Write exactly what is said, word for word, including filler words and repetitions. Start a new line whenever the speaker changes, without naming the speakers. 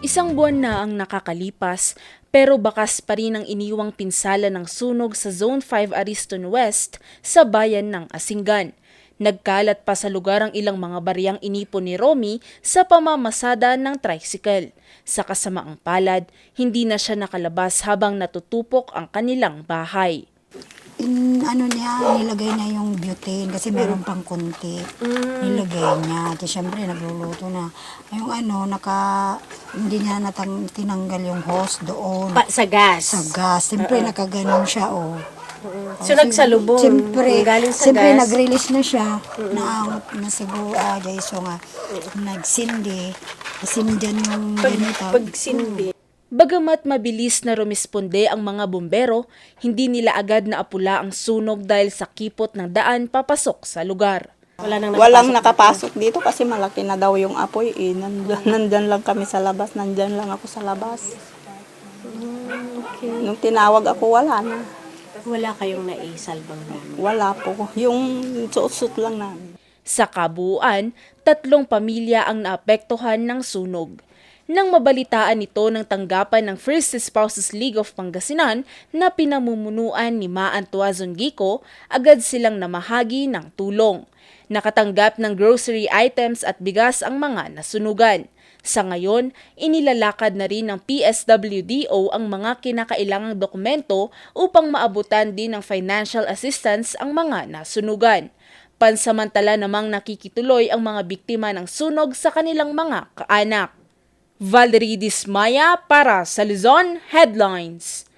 Isang buwan na ang nakakalipas, pero bakas pa rin ang iniwang pinsala ng sunog sa Zone five Ariston West sa bayan ng Asingan. Nagkalat pa sa lugar ang ilang mga bariyang inipon ni Romy sa pamamasada ng tricycle. Sa kasamaang palad, hindi na siya nakalabas habang natutupok ang kanilang bahay.
In, ano niya, nilagay niya yung butane kasi meron pang konti. Nilagay niya. At syempre, nagluluto na. Yung ano, naka, hindi niya natang, tinanggal yung hose doon.
Pa, sa gas.
Sa gas. Siyempre, nakaganon siya, oh.
So, nagsalubong.
Siyempre,
Galing sa
siyempre
gas.
nag-release na siya. Naangot na siguro, ah, Jaiso nga. Nagsindi. Sindihan yung
Pag,
ganito.
pagsindi.
Bagamat mabilis na rumisponde ang mga bumbero, hindi nila agad naapula ang sunog dahil sa kipot ng daan papasok sa lugar.
Wala nang
Walang
nakapasok.
nakapasok dito kasi malaki na daw yung apoy eh. Nandyan, nandyan lang kami sa labas, nandyan lang ako sa labas.
Okay.
Nung tinawag ako, wala na.
Wala kayong naisalbang namin.
Wala po. Yung suot-suot lang namin.
Sa kabuuan, tatlong pamilya ang naapektuhan ng sunog. Nang mabalitaan ito ng tanggapan ng First Spouses League of Pangasinan na pinamumunuan ni Maan Tuazon Gico, agad silang namahagi ng tulong. Nakatanggap ng grocery items at bigas ang mga nasunugan. Sa ngayon, inilalakad na rin ng P S W D O ang mga kinakailangang dokumento upang maabutan din ng financial assistance ang mga nasunugan. Pansamantala namang nakikituloy ang mga biktima ng sunog sa kanilang mga kaanak. Valerie Dismaya para sa Luzon Headlines.